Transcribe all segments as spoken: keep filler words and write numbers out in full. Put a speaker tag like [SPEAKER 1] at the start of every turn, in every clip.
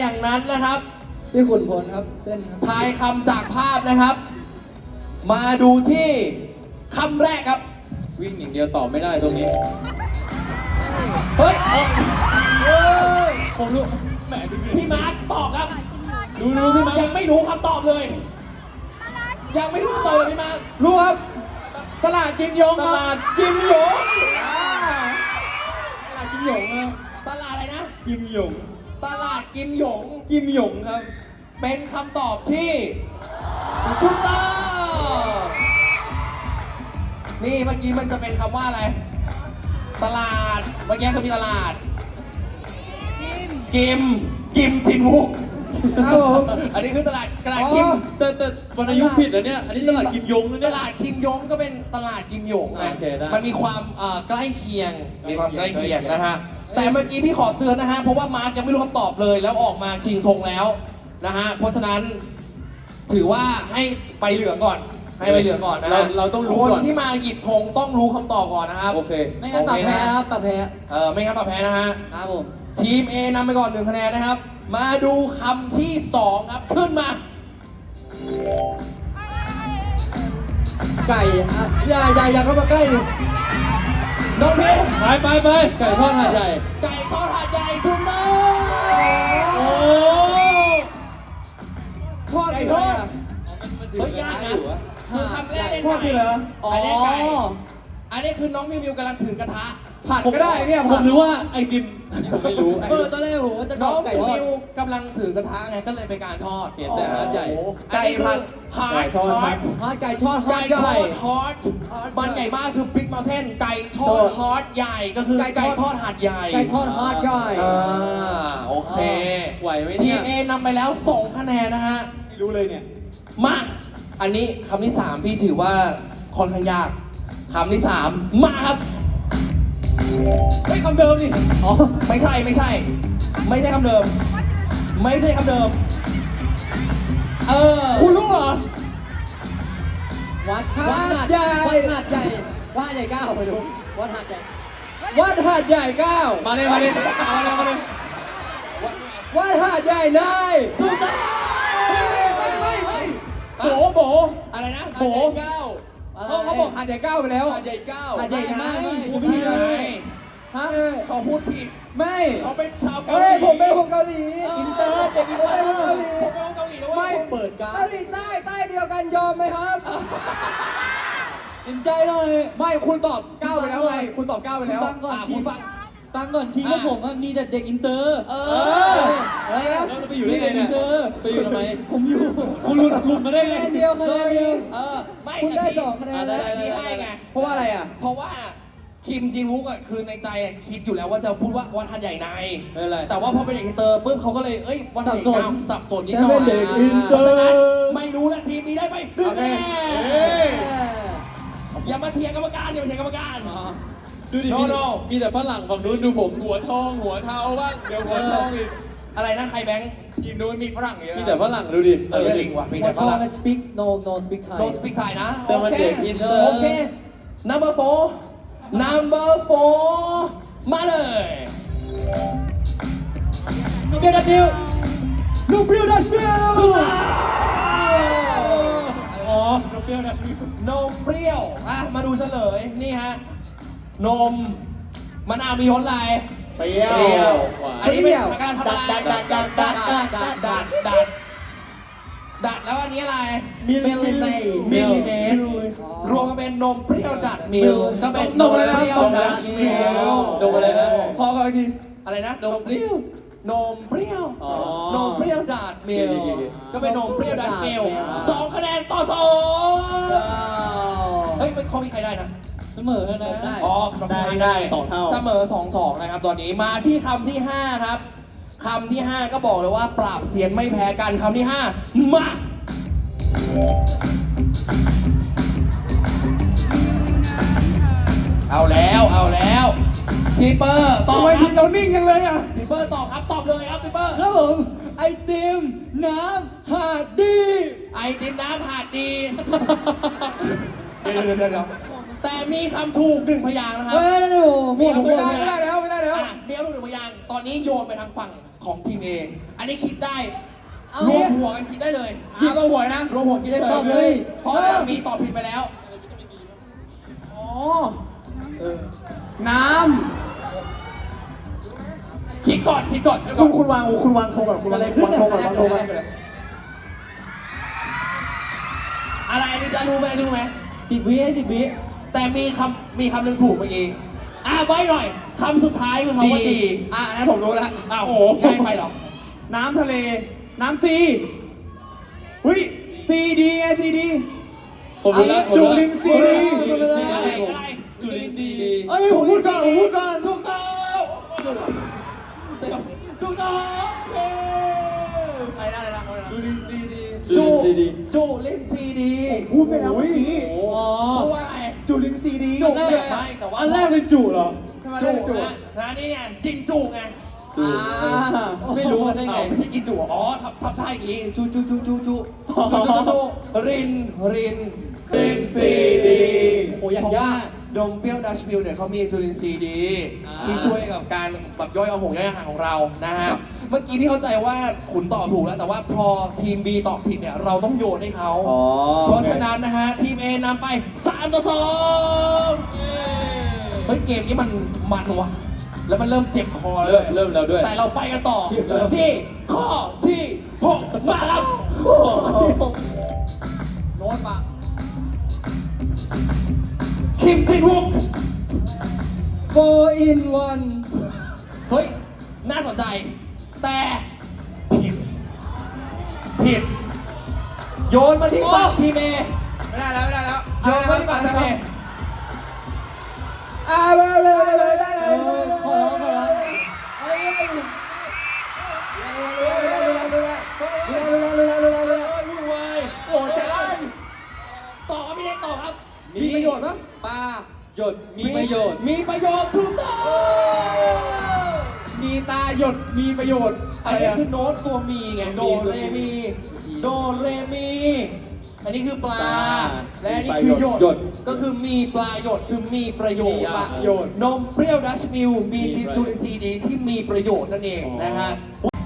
[SPEAKER 1] อย่างนั้นนะครับ
[SPEAKER 2] พี่ขุนพลครับเส้นครับ
[SPEAKER 1] ทายคำจากภาพนะครับ มาดูที่คำแรกครับ
[SPEAKER 3] วิ่งอย่างเดียวตอบไม่ได้ตรงนี้
[SPEAKER 1] เฮ้ยเอ้ย
[SPEAKER 3] เฮ้ยผมรู้แหมดูดิ
[SPEAKER 1] พี่มาร์คตอบครับ
[SPEAKER 3] ดูดูพี่มาร์ค
[SPEAKER 1] ยังไม่รู้คำตอบเลย ยังไม่รู้คำตอบเลยพี่มาร์ค
[SPEAKER 3] รู้ครับตลาดกิมยง
[SPEAKER 1] ต
[SPEAKER 3] ครับ
[SPEAKER 1] ลาดกิมหยง
[SPEAKER 3] อ่าตลาดกิมยงครับ
[SPEAKER 1] ตลาดอะไรนะ
[SPEAKER 3] กิมยง
[SPEAKER 1] ตลาดกิมหยง
[SPEAKER 3] กิมยงครับ
[SPEAKER 1] เป็นคำตอบที่ถูกต้องนี่เมื่อกี้มันจะเป็นคำว่าอะไร ตลาด เมื่อกี้คือมีตลาด กิม กิมจินวุก
[SPEAKER 2] ครับผม
[SPEAKER 1] อันนี้คือตลาดตลาดกิม
[SPEAKER 3] แต่แต่วรรณยุกต์ผิดนะเนี่ยอันนี้ตลาดกิมยงนะ
[SPEAKER 1] ต
[SPEAKER 3] เนี่ย
[SPEAKER 1] ลาดคิมยงก็เป็นตลาดกิมหยงไง
[SPEAKER 3] โอเคได้
[SPEAKER 1] มันมีความเอ่อใกล้เคียง มีความ
[SPEAKER 3] ใก
[SPEAKER 1] ใก
[SPEAKER 3] ล้
[SPEAKER 1] ล้
[SPEAKER 3] เคี
[SPEAKER 1] เคี
[SPEAKER 3] ย
[SPEAKER 1] ย
[SPEAKER 3] ง
[SPEAKER 1] งนะฮะ แต่เมื่อกี้พี่ขอเตือนนะฮะ เพราะว่ามาร์กยังไม่รู้คำตอบเลย แล้วออกมาชิงธงแล้วนะฮะ เพราะฉะนั้นถือว่าให้ไปเหลืองก่อน ให้ไปเหลืองก่อนนะ
[SPEAKER 3] เรา
[SPEAKER 1] ฮะ
[SPEAKER 3] เราต้องรู้
[SPEAKER 1] คน
[SPEAKER 3] ก่อน
[SPEAKER 1] ที่มาหยิบธงต้องรู้คำตอบก่อนนะครับ
[SPEAKER 3] โอเค
[SPEAKER 2] ไม่งั้นปรับแพ้ครับปรับแพ้
[SPEAKER 1] เออไม่งั้นปรับแพ้นะฮะ
[SPEAKER 2] ครับผม
[SPEAKER 1] ทีม A นำไปก่อนหนึ่งคะแนนนะครับ มาดูคำที่สองครับ ขึ้นมา
[SPEAKER 2] ไก่อ่ะอย่าอย่าอย่าเข้ามาใกล้ดิ
[SPEAKER 1] น้องพิว
[SPEAKER 3] ไปไปไปไก่ทอดหาดใหญ่
[SPEAKER 1] ไก่ทอดหาดใหญ่ถูกต้อง
[SPEAKER 3] โอ้
[SPEAKER 2] ทอดไก่ทอด
[SPEAKER 1] เฮ้ยยากนะคือคำแรกเนี่ย
[SPEAKER 2] ทอดคืออะไร
[SPEAKER 1] ไก่
[SPEAKER 2] อ๋อ
[SPEAKER 1] อันนี้ไก่ อันนี้คือน้องมิวมิวกำลังถือกระทะ
[SPEAKER 2] ผัดก็ได้เนี่ย
[SPEAKER 3] ผ
[SPEAKER 2] ผั
[SPEAKER 3] ม
[SPEAKER 2] ด
[SPEAKER 3] นึกว่าไอติมผมไม่รู้
[SPEAKER 2] เออตอนแรกผมว่าจะต
[SPEAKER 1] น้
[SPEAKER 2] อ
[SPEAKER 1] อบ ง
[SPEAKER 2] ไก่
[SPEAKER 1] มิว
[SPEAKER 2] ทอด
[SPEAKER 1] มิวกำลังถือกระทะไงก็เลยเป็นการทอด
[SPEAKER 3] เห็นแต่หาดใหญ่
[SPEAKER 2] โอ้โ
[SPEAKER 1] อันนี้คือฮาร์ด
[SPEAKER 3] ไก่ทอด
[SPEAKER 1] ฮาร์ด
[SPEAKER 2] ทอดไก่ทอดทอ
[SPEAKER 1] ไก่
[SPEAKER 2] ด
[SPEAKER 1] ท
[SPEAKER 2] ให
[SPEAKER 1] อ
[SPEAKER 2] ญ่
[SPEAKER 1] ดฮอตมันใหญ่มากคือบิ๊กเมลเทนไก่ทอดฮอตใหญ่ก็คือ
[SPEAKER 2] ไก่
[SPEAKER 1] ไก่
[SPEAKER 2] ทอด
[SPEAKER 1] ทอดหาดใหญ่
[SPEAKER 2] ไก่ทอดฮอดใหญ่
[SPEAKER 1] อ่าโอเค
[SPEAKER 3] ไหวไหม
[SPEAKER 1] ที
[SPEAKER 3] เนี่ย
[SPEAKER 1] ม A นำไปแล้วสองคะแนนนะฮะ
[SPEAKER 3] ไม่รู้เลยเนี่ย
[SPEAKER 1] มา อันนี้คำที่สามพี่ถือว่าค่อนข้างยากคำที่สามมาครับ
[SPEAKER 3] เฮ้ยคำเดิมนี่
[SPEAKER 1] อ๋อ ไม่ใช่ไม่ใช่ ไม่ใช่คำเดิม ไม่ใช่คำเดิม เออ
[SPEAKER 3] คุณรู้เหรอ
[SPEAKER 2] วัด
[SPEAKER 3] หาด
[SPEAKER 2] วัดหาด
[SPEAKER 3] ใหญ่
[SPEAKER 2] วัดหาดใหญ่วัดหาดใหญ่เก้าไปดูวัดหาดใหญ่
[SPEAKER 3] วัดหาดใหญ่เก้ามาเลยมาเลยเอาเลยมาเลยวัดหาดใหญ่นาย
[SPEAKER 1] ถูกต้อง
[SPEAKER 3] ไม่ไม่ไม่โบโบ
[SPEAKER 1] อะไรนะ
[SPEAKER 3] โบ
[SPEAKER 2] หาดใหญ่เก้าอะไร
[SPEAKER 3] เขาเขาบอกหาดใหญ่เก้าไปแล้ว
[SPEAKER 2] หาดใหญ่เก้า
[SPEAKER 3] หาดใหญ่ไง
[SPEAKER 1] พูดผิดไง
[SPEAKER 3] ฮะ
[SPEAKER 1] เขาพูดผิด
[SPEAKER 3] ไม่
[SPEAKER 1] เขาเป็นชาวเกาห
[SPEAKER 3] เฮ้ย
[SPEAKER 1] ลี
[SPEAKER 3] ผมเป็นคนเกาหลีอินเตอร์เด็กอินเตอร์เกาหลี
[SPEAKER 1] ผมเป็นคนเกาหลีนะเว้
[SPEAKER 3] ไม่
[SPEAKER 1] ย
[SPEAKER 2] เปิดการ
[SPEAKER 3] เกาหลีใต้ใต้เดียวกันยอมไหมครับเห็นใจหน่อยไม่คุณตอบเก้าไปแล้วไงคุณตอบเก้าไปแล้ว
[SPEAKER 2] ฟังก่อน
[SPEAKER 1] อ่ะ
[SPEAKER 2] ที
[SPEAKER 1] คุณฟัง
[SPEAKER 2] ฟังก่อนทีมพวกผมอะมีแต่เด็กอินเตอร์
[SPEAKER 1] เอ
[SPEAKER 3] เอ
[SPEAKER 1] อ
[SPEAKER 3] อ
[SPEAKER 2] เฮ้ย
[SPEAKER 3] แล้วเราไปอยู่ได้ไงเนี่ย
[SPEAKER 2] มีแต่อินเตอร์
[SPEAKER 3] ไปอยู่ทำไม
[SPEAKER 2] ผมอยู่
[SPEAKER 3] คุณหลุดหลุดมาได้
[SPEAKER 2] คะ
[SPEAKER 3] ไง
[SPEAKER 2] แนนเดียวคะแนนเดียว
[SPEAKER 1] เออ ไม่
[SPEAKER 2] คุณได้
[SPEAKER 1] แต่พี่
[SPEAKER 2] สองคะแนน
[SPEAKER 3] อ่ะได้
[SPEAKER 1] พี่ให้ไง
[SPEAKER 3] เพราะว่าอะไรอ่ะ
[SPEAKER 1] เพราะว่าคิมจินวุกอ่ะคือในใจอ่ะคิดอยู่แล้วว่าจะพูดว่าวันทันใหญ่ใน
[SPEAKER 3] ไม่เป็นไร
[SPEAKER 1] แต่ว่าพอเป็นเด็กอินเตอร์ปุ๊บเขาก็เลยเอ้ยวันทันใหญ่
[SPEAKER 2] สับสน
[SPEAKER 1] เก้าสับสนนิด
[SPEAKER 2] ฉัน
[SPEAKER 1] หน่
[SPEAKER 2] เป็
[SPEAKER 1] อย
[SPEAKER 2] นเด็กอินเตอร์
[SPEAKER 1] พราะฉะนั้นไม่รู้และทีมนี้ได้ไปหนึ่ง
[SPEAKER 3] โอเค
[SPEAKER 1] คะแน
[SPEAKER 3] เอ้ย
[SPEAKER 1] นอย่ามาเถียงกรรมการอย่ามาเถียงกรรมการ
[SPEAKER 3] ดูดิ
[SPEAKER 1] No,
[SPEAKER 3] มี
[SPEAKER 1] no
[SPEAKER 3] มีแต่ฝรั่งฝั่งนู้นดูผมหัวทองหัวเทาบ้างเดี๋ยวหัวทองอีก
[SPEAKER 1] อะไรนะใครแบงค์
[SPEAKER 3] ทีมนู้นมีฝรั่งเยอะมีแต่ฝรั่งดูดิ
[SPEAKER 1] เออจริงว่ะมี
[SPEAKER 2] วั
[SPEAKER 1] แต่
[SPEAKER 2] ด
[SPEAKER 1] ฝ
[SPEAKER 2] ทอง
[SPEAKER 1] รั่ง
[SPEAKER 2] กัน speak no no speak Thai
[SPEAKER 1] no speak Thai นะ
[SPEAKER 3] แต่มันเด็กอินเตอร์
[SPEAKER 1] โอเค number four number four มาเลย
[SPEAKER 2] no เบียร์ดับบิว
[SPEAKER 1] ลูกเปรี้ยวดัชมิล
[SPEAKER 3] อ๋อนมเปรี้ยวนะ
[SPEAKER 1] นมเปรี้ยวอ่ะมาดูเฉลยนี่ฮะนมมะนาวมีรสอะไร
[SPEAKER 3] เปรี้ยว
[SPEAKER 1] เปรี้ยว
[SPEAKER 3] หวาน
[SPEAKER 1] อันนี้เป็นการทำอะไร
[SPEAKER 3] ดัดดัดดัดดัดดัดดัด
[SPEAKER 1] ดัดดัดดัดแล้วอันนี้อะไร
[SPEAKER 3] มิล
[SPEAKER 2] มิลลิเมตร
[SPEAKER 1] มิลลิเมตรรวมกันเป็นนมเปรี้ยวดัดมิลก็เป็นนมเปรี้ยวดัดมิล
[SPEAKER 3] นมอะไรนะพอกันอีกที
[SPEAKER 1] อะไรนะ
[SPEAKER 3] นมเปรี้ยวน
[SPEAKER 1] มเปรี้ยว
[SPEAKER 3] อ๋อ
[SPEAKER 1] นมเปรี้ยวดัดมิล
[SPEAKER 3] โอเคโอเค
[SPEAKER 1] ก็เป็นนมเปรี้ยวดัดมิล
[SPEAKER 2] อ่า
[SPEAKER 1] สองคะแนนต่อสอง
[SPEAKER 2] ว้าว
[SPEAKER 1] เฮ้ยไม่ข้อมีใครได้นะ
[SPEAKER 2] เสมอนะ
[SPEAKER 3] ได้
[SPEAKER 1] อ๋อ
[SPEAKER 3] ได้ได้สองเท่า
[SPEAKER 1] เสมอสองสองนะครับตอนนี้มาที่คำที่ห้าครับคำที่ห้าก็บอกเลยว่าปราบเซียนไม่แพ้กันคำที่ห้ามาเอาแล้วเอาแล้วพี่เปอร์ตอบ
[SPEAKER 3] ทำไม
[SPEAKER 1] ค
[SPEAKER 3] ที
[SPEAKER 1] รับ
[SPEAKER 3] มเรานิ่งจังเลยอ่ะ
[SPEAKER 1] พี่เปอร์ตอบครับตอบเลยครับพี่เปอร์
[SPEAKER 2] ครับผมไอติมน้ำหาดดี
[SPEAKER 1] ไอติมน้ำหาดดี
[SPEAKER 3] เดี๋ยวเดี๋ยวเดี๋ยวเดี๋ยว
[SPEAKER 1] แต่มีคำถูกหนึ่งพยางค์นะครับ
[SPEAKER 2] เฮ้ยนั่นโอ้โหหมดหัว
[SPEAKER 3] ไม่ได้แล้วไม่ได้แล้ว
[SPEAKER 1] อ่ะมีคำถูกหนึ่งพยางค์ตอนนี้โยนไปทางฝั่งของทีม A อันนี้คิดได้
[SPEAKER 2] เอา
[SPEAKER 1] รว
[SPEAKER 2] เนี่
[SPEAKER 1] ม
[SPEAKER 2] ย
[SPEAKER 1] หัวกันคิดได้เลย
[SPEAKER 3] คิดเอาหวยนะ
[SPEAKER 1] รวมหัวคิดได้เลย
[SPEAKER 2] ตอบเลย
[SPEAKER 1] เพราะว่ามีตอบผิดไปแล้ว
[SPEAKER 3] อ๋อ
[SPEAKER 2] เออ
[SPEAKER 3] น้
[SPEAKER 1] คิดก่อนคิดก่อนคิด
[SPEAKER 3] ำ
[SPEAKER 1] ก่
[SPEAKER 3] คุ
[SPEAKER 1] อน
[SPEAKER 3] ณคุณวางคุณวางธงก่อนคุณวาง
[SPEAKER 2] อะไรขึ้น
[SPEAKER 3] วางธงก่อน
[SPEAKER 2] อะ
[SPEAKER 3] วางธงก่อน
[SPEAKER 1] อะไรอันนี้จะรู้ไหมรู้ไหม
[SPEAKER 2] สิบวิให้สิบวิ
[SPEAKER 1] แต่มีคำมีคำหนึ่งถูกเมื่อกี้อ่ะไว้หน่อยคำสุดท้ายคือคำว่าดี
[SPEAKER 3] อ่ะอันนั้นผมรู้แล้ว
[SPEAKER 1] อ้าว
[SPEAKER 3] โอ้โห
[SPEAKER 1] ง่ายไปเหรอ
[SPEAKER 3] น้ำทะเล น้ำซีเฮ้ยซีดีไงซีดี
[SPEAKER 2] ผมรู้แล้ว
[SPEAKER 3] จุลินทรีย์
[SPEAKER 2] ผมรู้แล้ว
[SPEAKER 1] อะไรอะไร
[SPEAKER 2] จุลินทรีย์
[SPEAKER 3] เอ้ยผมพูดก่อนผมพูดก่อน
[SPEAKER 1] ถูกต้องถูกต้องเย้
[SPEAKER 3] อะไรนะอะไรนะอะไรนะ
[SPEAKER 2] จุลินทรีย์ดี
[SPEAKER 1] จูจูเล่นซีดี
[SPEAKER 3] พูดไปแล้วเมื่อกี้
[SPEAKER 1] โอ้โหพูดว่าอะไร
[SPEAKER 3] จุลินทรีย์ดี
[SPEAKER 1] จุไม่ไม่แต่ว่า
[SPEAKER 2] อันแรกเป็นจุเหรอ
[SPEAKER 3] ทำไม
[SPEAKER 1] จู
[SPEAKER 3] ได้จุ
[SPEAKER 1] นะนะนี่เนี่ยกินจูไง
[SPEAKER 2] จุ
[SPEAKER 3] อ่า
[SPEAKER 2] ไม่รู้กันได้ไง
[SPEAKER 1] อ้าวไม่ใช่กินจูอ๋อทำทำท่าอย่างงี้จูจูจูจูจูจูจูจูรินรินรินซีดี
[SPEAKER 2] โอ้ยากยาก
[SPEAKER 1] ดมเปรี้ยวดัชมิลเนี่ยเขามีจุลินทรีย์ดี
[SPEAKER 2] อ่า
[SPEAKER 1] ที่ช่วยกับการแบบย่อยอาหงย่อยอาหารของเรานะฮะเมื่อกี้พี่เข้าใจว่าขุนตอบถูกแล้วแต่ว่าพอทีม B ตอบผิดเนี่ยเราต้องโยนให้เขา
[SPEAKER 3] อ๋อ
[SPEAKER 1] เพราะฉะนั้นนะฮะทีม A นำไปสามต่อสองเฮ้ยเกมนี้มันมันว่ะแล้วมันเริ่มเจ็บคอแล้ว
[SPEAKER 2] เริ่
[SPEAKER 1] ด้
[SPEAKER 2] ม
[SPEAKER 1] วย
[SPEAKER 2] เริ่มแล้วด้วย
[SPEAKER 1] แต่เราไปกันต่อ
[SPEAKER 2] เจ็บแล้ว
[SPEAKER 1] ที่ข้อที่หกมาครับ
[SPEAKER 3] โน้ตปะ
[SPEAKER 1] คิมจินวุก
[SPEAKER 2] โฟอินวัน
[SPEAKER 1] เฮ้ย น่าสนใจ แต่ผิด ผิด โยนมาที่ฝั่งทีมเอ
[SPEAKER 3] ไม่ได้แล้วไม่ได้แล้ว
[SPEAKER 1] โยนมาที่ฝั่งทีมเอ
[SPEAKER 3] อ่าเลยเลยเลยได้เล
[SPEAKER 2] เอย อขอร้องขอร้อง
[SPEAKER 3] เอ้ย
[SPEAKER 1] วุ่นวาย
[SPEAKER 3] โอ้จะได้
[SPEAKER 1] ต่อครับพี่เล็กต่อครับ
[SPEAKER 3] มีประโยชน์ปะ
[SPEAKER 2] ปลาหยดมีประโยชน์
[SPEAKER 1] มีประโยชน์ถูกต้อง
[SPEAKER 3] มีตาหยดมีประโยชน์
[SPEAKER 1] อั
[SPEAKER 3] อะ
[SPEAKER 1] น
[SPEAKER 3] ไร
[SPEAKER 1] นี้
[SPEAKER 3] อะ
[SPEAKER 1] คือโน้ตตัวมีไง โดเรมี โดเรมี อันนี้คือปลา
[SPEAKER 2] ปลา
[SPEAKER 1] และอันนี้คือหย
[SPEAKER 2] หย
[SPEAKER 1] ด
[SPEAKER 2] ด
[SPEAKER 1] ก็คือมีปลาหยดคือมีประโยชน์
[SPEAKER 2] มีประโยชน์
[SPEAKER 1] นมเปรี้ยวดัชมิลมี
[SPEAKER 2] มีประโยชน์
[SPEAKER 1] จุลินทรีย์ดีที่มีประโยชน์นั่นเอง
[SPEAKER 2] อ๋อ
[SPEAKER 1] นะฮะ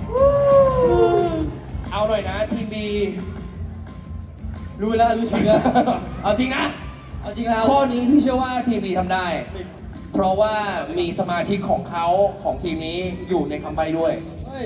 [SPEAKER 1] เอาหน่อยนะทีมบี
[SPEAKER 2] รู้แล้วรู้ชื่อแล้ว
[SPEAKER 1] เอาจริงนะ
[SPEAKER 2] เอาจริงแล้ว
[SPEAKER 1] ข้อนี้พี่เชื่อว่าทีมบีทำได้ เพราะว่ามีสมาชิกของเขาของทีมนี้อยู่ในคำใบ้ด้วย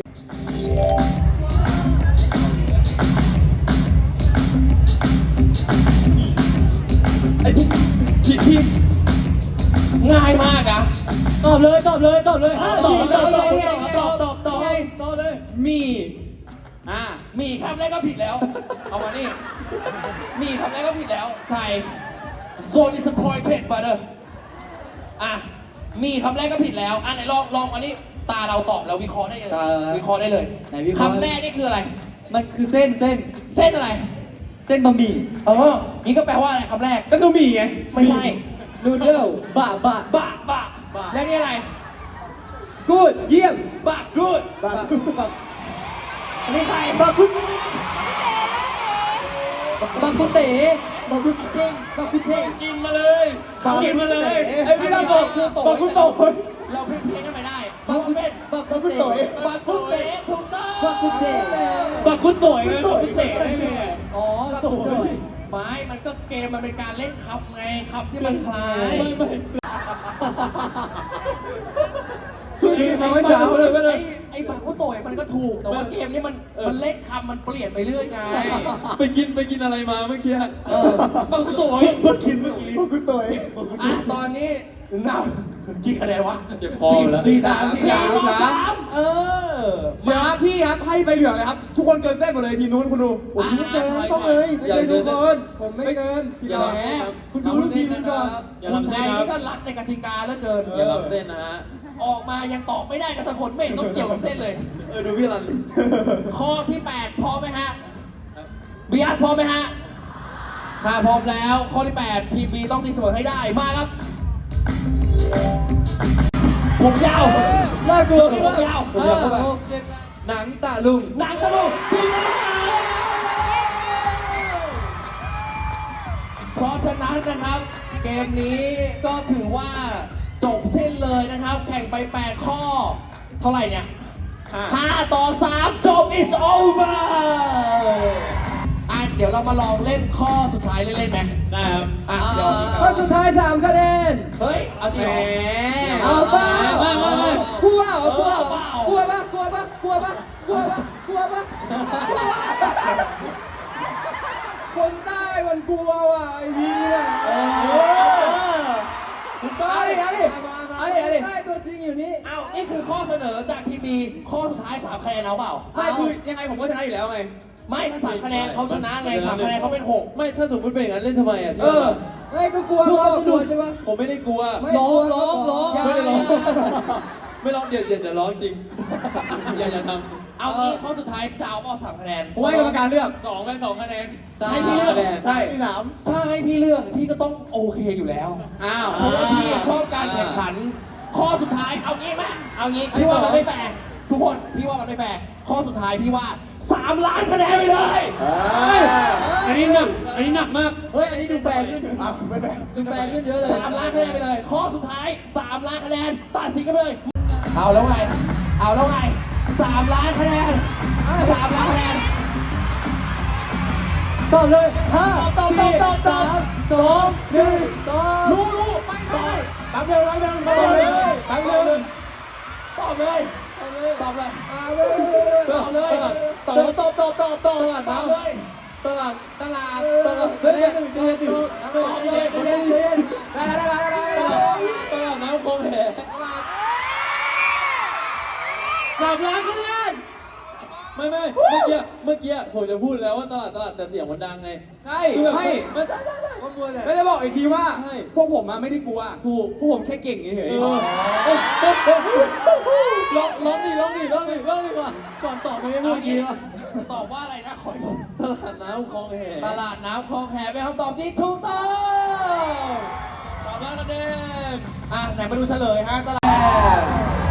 [SPEAKER 3] ไอ้พวกทีที
[SPEAKER 1] ง่ายมากนะ
[SPEAKER 2] ตอบเลยตอบเลยตอบเลยห้า
[SPEAKER 3] ต
[SPEAKER 2] ต
[SPEAKER 3] อ
[SPEAKER 2] อ
[SPEAKER 3] บบ ต
[SPEAKER 2] ต
[SPEAKER 3] อ
[SPEAKER 2] อ
[SPEAKER 3] บบ ต
[SPEAKER 2] ต
[SPEAKER 3] อ
[SPEAKER 2] อ
[SPEAKER 3] บบ ตอบตอบตอบตอบตอบตอบเลยมีอ่า
[SPEAKER 1] มีคำแรกก็ผิดแล้ว เอามานี่ มีคำแรกก็ผิดแล้วไทย so disappointed brother อ่ะ มีคำแรกก็ผิดแล้ว อ่ะไหนลองลองอันนี้ ตาเราตอบแล้ววิเคราะห์ได้เลย วิเคราะห์ได้เลย
[SPEAKER 2] ไหนวิเคราะห์
[SPEAKER 1] คำแรกนี่คืออะไร
[SPEAKER 2] มันคือเส้นเส้น
[SPEAKER 1] เส้นอะไร
[SPEAKER 2] เส้นบะหมี่
[SPEAKER 1] เออ นี่ก็แปลว่าอะไรคำแรก
[SPEAKER 3] ก็คือมีไง
[SPEAKER 1] ไม่ใช่
[SPEAKER 2] นูเดิลบะบะ
[SPEAKER 1] บะบะและนี่อะไร
[SPEAKER 2] กูดเยี่ยม
[SPEAKER 1] บะ good
[SPEAKER 3] บา
[SPEAKER 2] บะบะ
[SPEAKER 1] อันนี้ใคร
[SPEAKER 3] บาคุ
[SPEAKER 2] บะกุเต๋
[SPEAKER 3] บาคุ
[SPEAKER 2] บะกุเท
[SPEAKER 1] กินมาเลย
[SPEAKER 3] เขากินมาเลยไอ้พี่เราบอกบาคุโตะ
[SPEAKER 1] เราเพี้ยนเพี้ยนกันไปได้
[SPEAKER 2] บะกุ
[SPEAKER 1] เป็น
[SPEAKER 2] บะกุเต๋
[SPEAKER 1] บะกุเตะถูกต้อง
[SPEAKER 2] บะกุเต๋
[SPEAKER 3] บาคุโตะไงบาคุเตะได้ไง
[SPEAKER 2] อ๋อ
[SPEAKER 3] โต
[SPEAKER 2] โต
[SPEAKER 1] ไม้มันก็เกมมันเป็นการเล่นคำไงคำที่มันคล้าย
[SPEAKER 3] ไม่ไม่คือมาไม่เช้าเลยไม่เล
[SPEAKER 1] ไอ้
[SPEAKER 3] ย
[SPEAKER 1] ไอ้บากุโตะมันก็ถูก แต่ว่าเกมนี้มันมันเล่นคำมันเปลี่ยนไปเรื่อยไง
[SPEAKER 3] ไปกินไปกินอะไรมาเมื่อกี้
[SPEAKER 1] เออบากุโตะ
[SPEAKER 3] เพิ่งกินเมื่อกี้บาคุโตะ
[SPEAKER 1] อ่ะตอนนี้นำกี่คะแนนวะ
[SPEAKER 2] เจ็บคอแล้ว
[SPEAKER 3] สี่สาม
[SPEAKER 1] สี่ต่อสามเออ
[SPEAKER 3] เดี๋ยวครับพี่ครับให้ไปเหลืองเลยครับ ทุกคนเกินเส้นหมดเลยทีมนู้นคุณดูผมไม่เกินต้องเลย
[SPEAKER 2] ไม่ใช่ทุกคนผมไม่เกิน
[SPEAKER 3] พี่น้องคุณดูลูกทีมกันก่อน
[SPEAKER 2] อย่า
[SPEAKER 1] คน
[SPEAKER 2] ทำ
[SPEAKER 1] ไท
[SPEAKER 2] เส้น
[SPEAKER 1] ย
[SPEAKER 2] ครั
[SPEAKER 1] นี่
[SPEAKER 2] บ
[SPEAKER 1] ก็รัดในกติกาเหลือเกิน
[SPEAKER 2] อย่าทำเส้นนะฮะ
[SPEAKER 1] ออกมายังตอบไม่ได้กับสักคนไม่เห็นต้องเกี่ยวกับเส้นเลย
[SPEAKER 3] เออดูพี่รัน
[SPEAKER 1] ข้อที่แปดพร้อมไหมฮะบีอาร์พร้อมไหมฮะถ้าพร้อมแล้วข้อที่แปดทีมบีต้องตีเสมอให้ได้มาครับ ผมยาว
[SPEAKER 2] น่ากลัว
[SPEAKER 1] ผมยาว
[SPEAKER 2] ผมยาวเข้าไปหนังตะลุง
[SPEAKER 1] หนังตะลุงทีมบีเพราะฉะนั้นนะครับ เกมนี้ก็ถือว่าจบเส้นเลยนะครับ แข่งไปแปดข้อ เท่าไหร่เนี่ยห้าต่อสามจบ is over อ่ะเดี๋ยวเรามาลองเล่นข้อสุดท้ายเล่นๆไหม
[SPEAKER 2] ได้ครับ
[SPEAKER 1] อ่ะเดี๋ยว
[SPEAKER 3] ข้อสุดท้ายสามคะแนน
[SPEAKER 1] เฮ้ย เอาจริงเหรอ
[SPEAKER 3] เอาเปล่า
[SPEAKER 2] ไม่ไม่ไม่
[SPEAKER 3] กลัวเหรอกลัวเหรอ
[SPEAKER 1] เออเปล่า
[SPEAKER 3] กลัวปะกลัวปะกลัวปะกลัวปะกลัวปะคนใต้มันกลัวว่ะไอ้นี่ว่ะ
[SPEAKER 1] เออ
[SPEAKER 3] คนใต้ไอ้มามาคนใต้ตัวจริงอยู่นี่
[SPEAKER 1] เอานี่คือข้อเสนอจากทีมบีข้อสุดท้ายสามคะแนนเอาเปล่า
[SPEAKER 3] ไม่คือยังไงผมก็ชนะอยู่แล้วไง
[SPEAKER 1] ไม่ถ้าสามคะแนนเขาชนะไงสามคะแนนเขาเป็นหก
[SPEAKER 2] ไม่ถ้าสมมติเป็นอย่างนั้นเล่นทำไมอ่ะ
[SPEAKER 3] เออไม่ก็กลัวกลัวกลัวใช่ปะ
[SPEAKER 2] ผมไม่ได้กลัว
[SPEAKER 3] ร้องร้องร้อง
[SPEAKER 2] ไม่ได้ร้องไม่ร้องเดี๋ยวเดี๋ยวเดี๋ยวร้องจริงอย่าอย่าทำ
[SPEAKER 1] เอางี้ข้อสุดท้ายจะเอาเปล่าสามคะแนน
[SPEAKER 3] ผมให้กรรมการเลือก
[SPEAKER 2] สองไปสองคะแนน
[SPEAKER 1] ให้พี่เลือก
[SPEAKER 2] ใช่สาม
[SPEAKER 1] ถ้าให้พี่เลือกพี่ก็ต้องโอเคอยู่แล้ว
[SPEAKER 3] อ้าว
[SPEAKER 1] เพราะว่าพี่ชอบการแข่งขัน ข้อสุดท้ายเอางี้ไหมเอางี้พี่ว่ามันไม่แฟร์ทุกคนพี่ว่ามันไม่แฟร์ข้อสุดท้ายพี่ว่าสามล้านคะแนนไปเลย
[SPEAKER 2] อันนี้หนักอันนี้หนักมาก
[SPEAKER 3] เฮ้ยอันนี้ดูแฟร์ขึ้น
[SPEAKER 1] อ้าวไม่แฟร์
[SPEAKER 3] ดูแฟร์ขึ้นเยอะเลย
[SPEAKER 1] สามล้านคะแนนไปเลย ข้อสุดท้ายสามล้านคะแนนตัดสินกันเลย เอาแล้วไง เอาแล้วไงสามล้านคะแนนสามล้านคะแนน
[SPEAKER 3] ตอบเลยห้าตอบตอบตอบตอบสองหนึ่งตอบ
[SPEAKER 1] รู้รู้ไม่ตอบ
[SPEAKER 3] แป๊บเดียวแป๊บเดียวตอบเลยแป๊บเดียว
[SPEAKER 1] ตอบเลยตอบเลย
[SPEAKER 3] อ่าไม่ไม่ไม่ไม่
[SPEAKER 1] ตอบเลย
[SPEAKER 3] ตอบตอบตอบตอบตอบ
[SPEAKER 1] ตอบเลย
[SPEAKER 2] ตลาดตลาด
[SPEAKER 3] ตอบเฮ้ยเดี๋ยวเดี๋ยวเดี๋ยวเดี๋ยวเดี๋ยวเดี๋ยวเดี๋ยวเดี๋ยวได้ได้ได้ได้ได้
[SPEAKER 2] ตลาดน้ำคลองแหสามล้านคะแนนไม่ไม่เมื่อกี้เมื่อกี้ผมจะพูดแล้วว่าตลาดตลาดแต่เสียงมันดังไง
[SPEAKER 3] ใช่
[SPEAKER 2] คือแบบ
[SPEAKER 3] ไม่
[SPEAKER 2] ไม่ได้ได้ได้มันมัวเลย
[SPEAKER 3] ไม่ได้บอกอีกทีว่า
[SPEAKER 2] ใช่
[SPEAKER 3] พวกผมมาไม่ได้กลัว
[SPEAKER 2] ถูก
[SPEAKER 3] พวกผมแค่เก่งเฉย
[SPEAKER 2] เออร้องร้องดิร้องดิร้องดิร้องดิก่อนก่อนตอบไม่ได้พูดดีวะ
[SPEAKER 1] ตอบว่าอะไรนะขออีกที
[SPEAKER 2] ตลาดน้ำคลองแห
[SPEAKER 1] ตลาดน้ำคลองแหเป็นคำตอบที่ถูกต้อง
[SPEAKER 2] สามล้านคะแนน
[SPEAKER 1] อ่ะไหนมาดูเฉลยฮะตลาด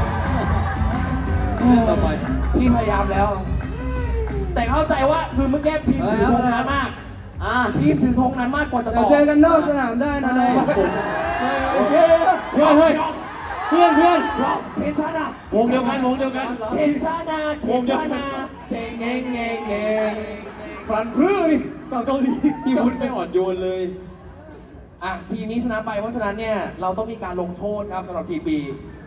[SPEAKER 2] ต่อไป
[SPEAKER 1] พี่พยายามแล้ว แต่เข้าใจว่าคือเมื่อกี้พิมพ์ถือธงนั้นมาก
[SPEAKER 3] อ่า
[SPEAKER 1] พิมพ์ถือธงนั้นมากกว่าจะต
[SPEAKER 3] เดี๋ย
[SPEAKER 1] อ
[SPEAKER 3] ว
[SPEAKER 1] บ
[SPEAKER 3] เจอกันนอกสนามได้นะ
[SPEAKER 2] โอเคเพื่อนเฮ้ยเพื่อนเพื่อน
[SPEAKER 1] รอบเคนชาดาว
[SPEAKER 2] งเดียวกันวงเดียวกัน
[SPEAKER 1] เคนชาดาเคนชาดาเก่งเง่งเง่งเง่ง
[SPEAKER 2] พลันพรื้ดิเกาเกาหลีพี่พุทธไม่อ่อนโยนเลย
[SPEAKER 1] อ่ะทีมนี้ชนะไปเพราะฉะนั้นเนี่ยเราต้องมีการลงโทษครับสำหรับทีมบี